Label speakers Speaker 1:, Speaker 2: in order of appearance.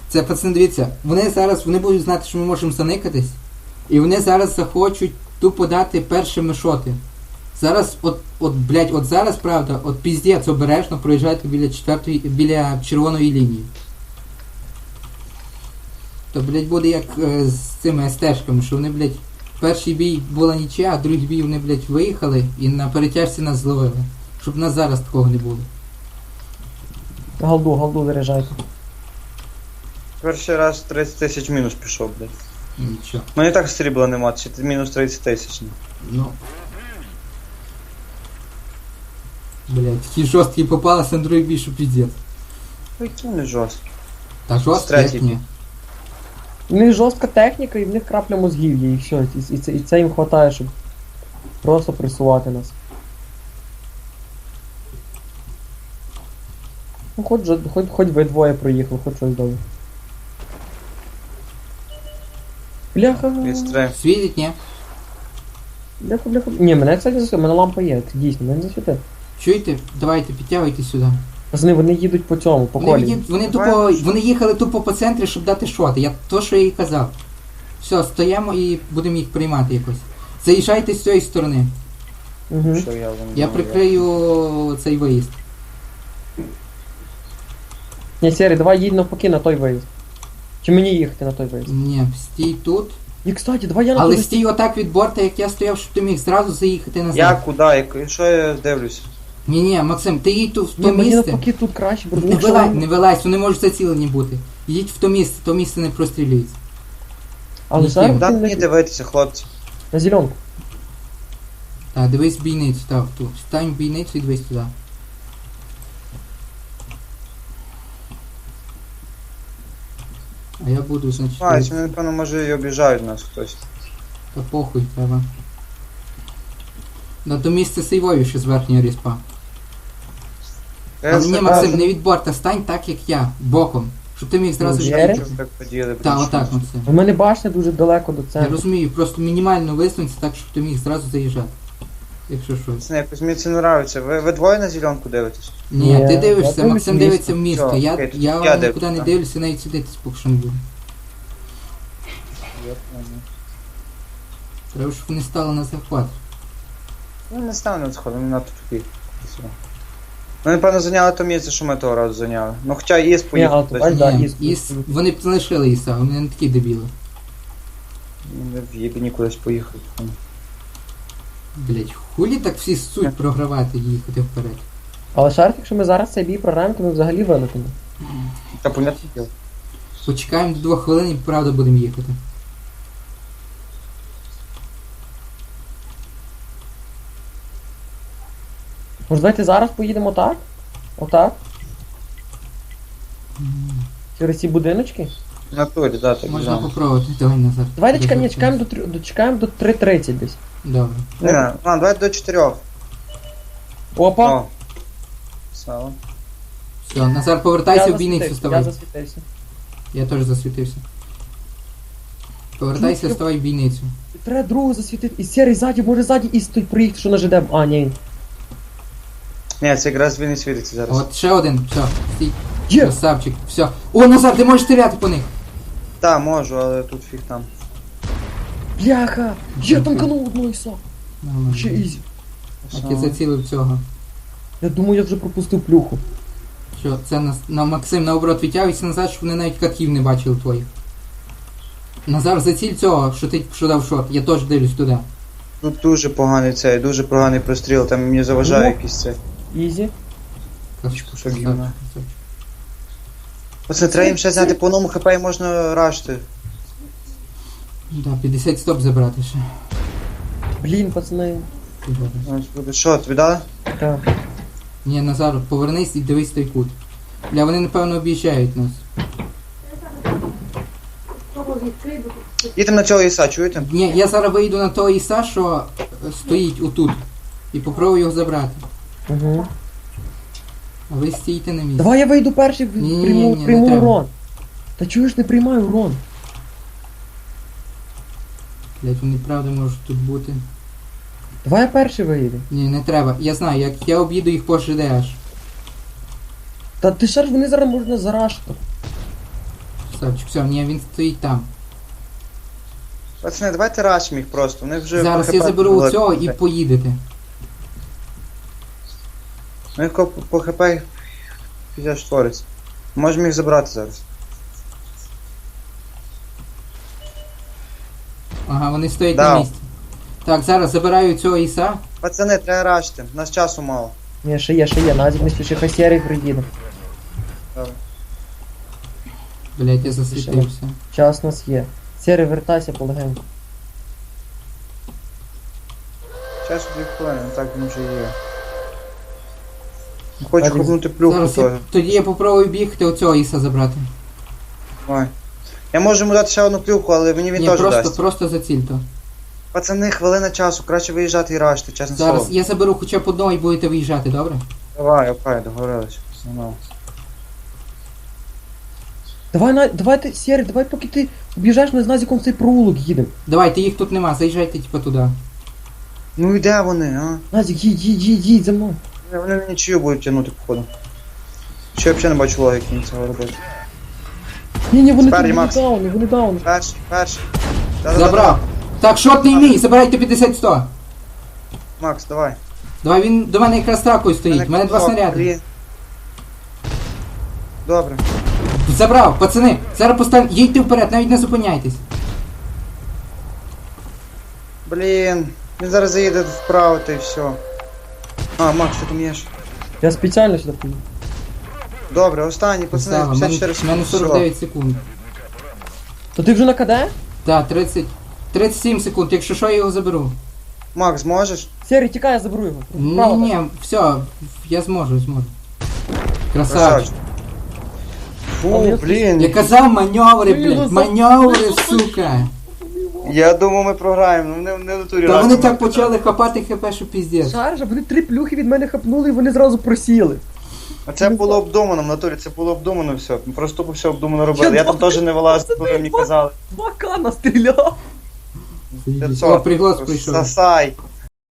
Speaker 1: Це, пацани, дивіться, вони будуть знати, що ми можемо заникатись, і вони зараз захочуть тупо дати першими шоти. Зараз, от зараз, правда, піздець, обережно проїжджайте біля червоної лінії. То, блядь, буде як з цими СТ-шками, що вони, блядь, перший бій була нічия, а другий бій вони, блядь, виїхали і на перетяжці нас зловили. Щоб в нас зараз такого не було.
Speaker 2: Голду заряджайте.
Speaker 3: Перший раз 30 тисяч мінус пішов, блядь.
Speaker 1: Нічого.
Speaker 3: Ну і так срібла нема, чи ти мінус 30 тисяч.
Speaker 1: Ну. Блядь, такі жорсткі попалися на другий бій, що піздець.
Speaker 3: Які не жорсткі.
Speaker 1: Та жорсткі,
Speaker 3: Третій
Speaker 1: як ні.
Speaker 3: бій.
Speaker 2: У них жорстка техніка і в них крапля мозгів є, і все. І це їм хватає, щоб просто пресувати нас. Ну хоч ви двоє проїхали, хоч щось дали. Бляха.
Speaker 3: Відстрим.
Speaker 1: Світить, ні?
Speaker 2: Бляха. Ні, мене, кстати, засвітить, мене лампа є, це дійсно, мене засвітить.
Speaker 1: Чуєте? Давайте, підтягуйте сюди.
Speaker 2: Пацани, вони їдуть по цьому, по колі.
Speaker 1: Вони їхали тупо по центрі, щоб дати шоти. Що я їй казав. Все, стоїмо і будемо їх приймати якось. Заїжджайте з цієї сторони.
Speaker 2: Угу.
Speaker 3: Що я вам
Speaker 1: Я
Speaker 3: думаю,
Speaker 1: прикрию цей виїзд.
Speaker 2: Ні, Сері, давай їдь навпаки на той виїзд. Чи мені їхати на той виїзд?
Speaker 1: Ні, стій тут.
Speaker 2: І, кстати, давай я на
Speaker 1: Але
Speaker 2: той
Speaker 1: стій отак від борта, як я стояв, щоб ти міг зразу заїхати назад.
Speaker 3: Я куди? Що я дивлюся?
Speaker 1: Ні, Максим, ти їдь тут в
Speaker 2: Ні,
Speaker 1: то
Speaker 2: мені
Speaker 1: місце.
Speaker 2: навпаки тут краще, бо
Speaker 1: Не вилазь, вони можуть зацілені бути. Їдь в то місце не прострілюється.
Speaker 2: Але
Speaker 1: Ні,
Speaker 2: зараз
Speaker 3: Куди
Speaker 2: ти
Speaker 3: мені дивитися, хлопці?
Speaker 2: на зеленку.
Speaker 1: Так, дивись в бійницю, так, тут. Стань в бійницю і дивись туди. А я буду, значить...
Speaker 3: Вони, напевно, може і обіжають нас хтось.
Speaker 1: Та похуй, треба. На то місце сейвою ще з верхнього ріспа. Але ні, Максим, не від борта, стань так, як я, боком. Щоб ти міг зразу...
Speaker 2: Джері?
Speaker 3: Так поділи,
Speaker 1: Так, отак, Максим.
Speaker 2: У мене башня дуже далеко до
Speaker 1: Я
Speaker 2: центру.
Speaker 1: розумію, просто мінімально висунься так, щоб ти міг зразу заїжджати. Якщо щось.
Speaker 3: Це якось мені це не нравиться. Ви двоє на зеленку дивитесь?
Speaker 1: Ні,
Speaker 2: Ні,
Speaker 1: ти
Speaker 2: я
Speaker 1: дивишся,
Speaker 2: дивлюсь
Speaker 1: Максим
Speaker 2: в місто.
Speaker 1: дивиться в місто.
Speaker 3: Всьо,
Speaker 1: Я
Speaker 3: окей,
Speaker 1: я
Speaker 3: я
Speaker 1: нікуди
Speaker 3: дивлюсь,
Speaker 1: не
Speaker 3: так.
Speaker 1: дивлюся, навіть сюди поки що не буду. Треба, щоб вони стали на захват.
Speaker 3: Ну не стану на сходу, вони надто тупі. Вони, напевно, зайняли то місце, що ми того разу зайняли. Ну хоча ІС
Speaker 2: Ні,
Speaker 3: поїхав.
Speaker 2: але
Speaker 3: тобто,
Speaker 2: да,
Speaker 1: Ні,
Speaker 2: Іс.
Speaker 1: вони б залишили Іса, вони не такі дебіли.
Speaker 3: Вони в єбіні кудись поїхали.
Speaker 1: Блять, хулі так всі суть програвати і їхати вперед.
Speaker 2: Але шарф, якщо ми зараз цей бій програємо, то ми взагалі вилетимо.
Speaker 3: Та понятне діло.
Speaker 1: Почекаємо до 2 хвилин і правда будемо їхати.
Speaker 2: Може давайте зараз поїдемо так? Отак? Через ці будиночки?
Speaker 3: В натурі, да, так
Speaker 1: Можна
Speaker 3: само.
Speaker 1: попробувати, давай назад.
Speaker 2: Давай дочекаємо до 3:30 десь.
Speaker 1: Добре.
Speaker 3: Ні, давай до 4.
Speaker 2: Опа!
Speaker 3: О. Сало.
Speaker 1: Все, Назар, повертайся в бійницю,
Speaker 2: Я
Speaker 1: ставай.
Speaker 2: засвітився.
Speaker 1: Я теж засвітився. Повертайся, ставай в бійницю.
Speaker 2: Треба другу засвітити. І Серий ззаді, може ззаді і стоїть приїхати, що на ЖД. А, ні.
Speaker 3: Ні, це якраз він і світиться зараз.
Speaker 1: От ще один, все, стій.
Speaker 2: Є!
Speaker 1: Красавчик, все. О, Назар, ти можеш стріляти по них.
Speaker 3: Та, можу, але тут фіг там.
Speaker 2: Бляха! Є танканув одного іса!
Speaker 1: Нормально.
Speaker 2: Ще ізі.
Speaker 1: Так, я зацілив цього.
Speaker 2: Я думаю, я вже пропустив плюху.
Speaker 1: Що, це на Максим наоборот відтягуйся назад, щоб вони навіть катків не бачили твоїх. Назар, заціль цього, що дав шот, я теж дивлюсь туди.
Speaker 3: Тут дуже поганий цей, дуже поганий простріл, там мені заважає
Speaker 2: Ну.
Speaker 3: якийсь цей.
Speaker 2: Ізі.
Speaker 3: Кусок гімна. Оце треба їм ще зняти по одному хп і можна рашти.
Speaker 1: Да, 50 стоп забрати ще.
Speaker 2: Блін, пацани.
Speaker 3: Що, тобі дали?
Speaker 2: Так.
Speaker 1: Ні, Назар, повернись і дивись той кут. Бля, вони напевно об'їжджають нас.
Speaker 3: Їдемо на цього іса, чуєте?
Speaker 1: Ні, я зараз вийду на того Іса, що стоїть отут. І попробую його забрати.
Speaker 2: Угу.
Speaker 1: А ви стійте на місці.
Speaker 2: Давай я вийду перший,
Speaker 1: Ні, не
Speaker 2: прийму
Speaker 1: треба.
Speaker 2: урон. Та чуєш, не приймаю урон.
Speaker 1: Блять, вони правда можуть тут бути.
Speaker 2: Давай я перший вийду.
Speaker 1: Ні, не треба. Я знаю, як я об'їду їх по ЖД аж.
Speaker 2: Та ти ж вони зараз можна зарашити.
Speaker 1: красавчик. Все, ні, він стоїть там.
Speaker 3: Пацани, давайте рашимо їх просто. Вони вже
Speaker 1: Зараз
Speaker 3: по
Speaker 1: я
Speaker 3: хп
Speaker 1: заберу
Speaker 3: були.
Speaker 1: цього і поїдете.
Speaker 3: Ну їх по хп піздець твориться. Можемо їх забрати зараз.
Speaker 1: Ага, вони стоять
Speaker 3: Да.
Speaker 1: на місці. Так, зараз забираю цього іса.
Speaker 3: Пацани, треба рашити. У нас часу мало.
Speaker 2: Ні, ще є. Назік не спіши, хай серій приїде.
Speaker 3: Добре.
Speaker 1: Блять, я засвітився.
Speaker 2: Час у нас є. Серій, вертайся полегеньку.
Speaker 3: Часу 2 хвилини, так він вже є. Хочу
Speaker 2: Один.
Speaker 3: хопнути плюху
Speaker 1: Зараз
Speaker 3: теж.
Speaker 1: тоді я попробую бігти оцього іса забрати.
Speaker 3: Давай. Я можу йому дати ще одну плюху, але мені він
Speaker 1: Ні,
Speaker 3: теж
Speaker 1: просто,
Speaker 3: дасть.
Speaker 1: просто заціль то.
Speaker 3: Пацани, хвилина часу, краще виїжджати і рашити, чесне
Speaker 1: Зараз
Speaker 3: слово.
Speaker 1: я заберу хоча б одного і будете виїжджати, добре?
Speaker 3: Давай, окей, договорились. Ну.
Speaker 2: Давай ти, Серій, давай поки ти об'їжджаєш, ми з Назіком в цей проулок їдемо.
Speaker 1: Давайте, їх тут нема, заїжджайте типа туди.
Speaker 3: Ну і де вони, а?
Speaker 2: Назік, їдь за мною.
Speaker 3: Вони мені чию будуть тягнути, походу. Ще я взагалі не бачу логіки їм цього робити.
Speaker 2: Ні, вони
Speaker 3: Спереді,
Speaker 2: тут
Speaker 3: Макс.
Speaker 2: вони дауни.
Speaker 3: Перший. Да-да-да.
Speaker 1: Забрав. Так, шотний мій, забирайте 50-100.
Speaker 3: Макс, давай.
Speaker 1: Давай, він до мене якраз тракою стоїть, у мене 2
Speaker 3: кнопка,
Speaker 1: снаряди.
Speaker 3: блін. Добре.
Speaker 1: Забрав, пацани, зараз постав, їдьте вперед, навіть не зупиняйтесь.
Speaker 3: Блін. Він зараз заїде вправо та й все. А, Макс, що там є ще?
Speaker 2: Я спеціально сюди поїду.
Speaker 3: Добре, останній, пацани,
Speaker 1: Поставив, у мене
Speaker 3: 54
Speaker 1: у мене 49 секунд.
Speaker 2: То ти вже на КД?
Speaker 1: Так, 37 секунд, якщо що, я його заберу.
Speaker 3: Макс, зможеш?
Speaker 2: Серій, тікай, я заберу його.
Speaker 1: Ні, все, я зможу. Красавчик.
Speaker 3: Фу, блін.
Speaker 1: Я казав маневри,
Speaker 2: Ви його
Speaker 1: блядь, маневри, сука.
Speaker 3: Я думав, ми програємо, ну не в натурі.
Speaker 1: Та вони
Speaker 3: раз,
Speaker 1: так
Speaker 3: Макс.
Speaker 1: почали хапати хп, що піздець.
Speaker 2: Шаржа, вони 3 плюхи від мене хапнули і вони зразу просіли.
Speaker 3: А це було обдумано, в натурі, це було обдумано все. Ми просто тупо все обдумано робили. Я там теж не вилазив, коли мені казали.
Speaker 2: 2К настріляв.
Speaker 1: О, приглас прийшов.
Speaker 3: Сосай.